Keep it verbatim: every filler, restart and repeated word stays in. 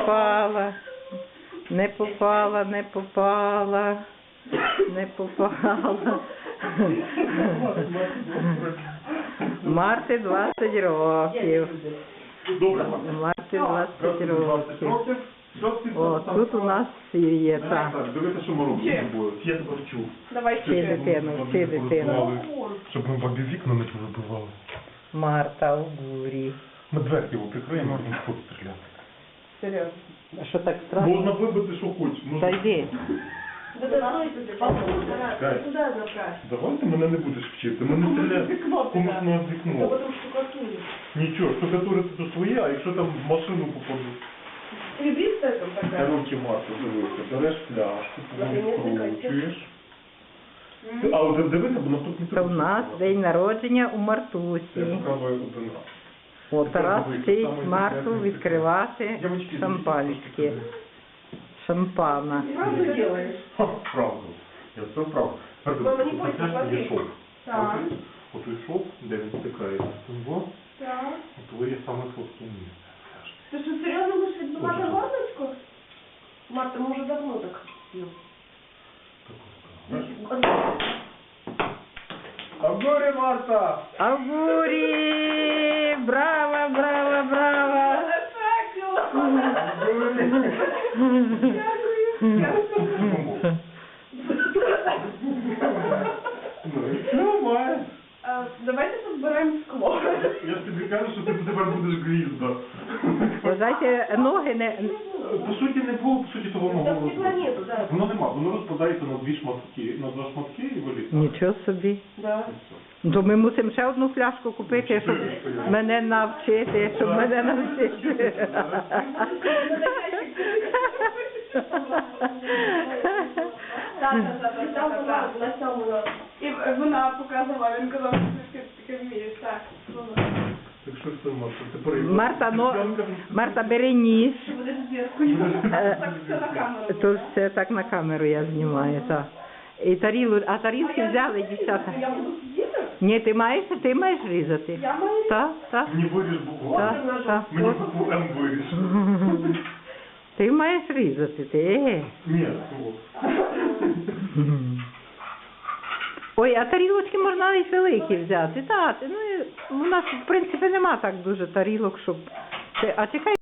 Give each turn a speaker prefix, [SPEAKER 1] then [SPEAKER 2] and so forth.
[SPEAKER 1] попала, не попала, не попала, не попала. Марти двадцять років. Марти двадцять років. О, тут у нас є, так.
[SPEAKER 2] Дивіться, що ми робимо з тобою. Я тебе вчу.
[SPEAKER 1] Вчи дитину, вчи дитину.
[SPEAKER 2] Щоб ми бабі вікна не повибивали.
[SPEAKER 1] Марта у бурі.
[SPEAKER 2] Ми дверки його прикриємо, а він вход стріляти.
[SPEAKER 1] Серйозно? А що так страшно?
[SPEAKER 2] Можна вибити, що хочеш.
[SPEAKER 1] Та йди.
[SPEAKER 2] Давай ти мене не будеш вчити. Ми не стріляємо комусь на вікно. Нічого, штукатурити то своє, а якщо там в машину попадуть. Короче, Марта, дивися, береш пляшку, відкручуєш. А от дивися, бо наступний
[SPEAKER 1] Це в нас день народження у Мартусі.
[SPEAKER 2] Я спробую один раз.
[SPEAKER 1] О, Тарас вчить Марту відкривати шампанське. Шампана.
[SPEAKER 3] Правду делаешь?
[SPEAKER 2] Ха, правду. Я все правду.
[SPEAKER 3] Мама, не бойся,
[SPEAKER 2] Це
[SPEAKER 3] смотри.
[SPEAKER 2] є шов.
[SPEAKER 3] Так.
[SPEAKER 2] От той шов, де він стикається з цим во,
[SPEAKER 3] Так.
[SPEAKER 2] от ви є саме слабке місце.
[SPEAKER 3] Ти що, серйозно будеш відбивати горлочку? Марта, ми вже давно так.
[SPEAKER 2] Агорі, Марта!
[SPEAKER 1] Агурі! Браво, браво, браво!
[SPEAKER 2] Ну і все, має.
[SPEAKER 3] А, Давайте позбираємо скло.
[SPEAKER 2] Я ж тобі кажу, що ти тепер будеш гвізда.
[SPEAKER 1] Вважайте, ноги не...
[SPEAKER 2] По суті, не було, по суті, того могло
[SPEAKER 3] Там
[SPEAKER 2] бути.
[SPEAKER 3] стекла нету, да.
[SPEAKER 2] Воно нема, воно розпадається на дві шматки, на два шматки і вилітає.
[SPEAKER 1] Нічого собі.
[SPEAKER 3] Да.
[SPEAKER 1] То ми мусимо ще одну пляшку купити, щоб мене навчити, щоб мене навчити.
[SPEAKER 3] Так, так, так, так, так, на цьому. І вона показувала, він казав, що ти таке вмієш, так.
[SPEAKER 2] Так що це, Марта? Тепер
[SPEAKER 1] Марта, но... Марта, бери ніж.
[SPEAKER 3] Ти будеш зірку.
[SPEAKER 1] Е,
[SPEAKER 3] Так все на камеру.
[SPEAKER 1] То все так на камеру я знімаю, так. І тарілу, а тарілки взяли, дівчата.
[SPEAKER 3] Я буду сидіти?
[SPEAKER 1] Ні, ти маєш, ти маєш різати.
[SPEAKER 3] Я маю?
[SPEAKER 1] Так, так.
[SPEAKER 2] Мені виріж букву.
[SPEAKER 1] Так, так.
[SPEAKER 2] Мені букву М виріж.
[SPEAKER 1] Ти маєш різати, ти.
[SPEAKER 2] Ні, о.
[SPEAKER 1] Ой, а тарілочки можна навіть великі взяти. Так, ну, і у нас, в принципі, нема так дуже тарілок, щоб... Ти- А чекай.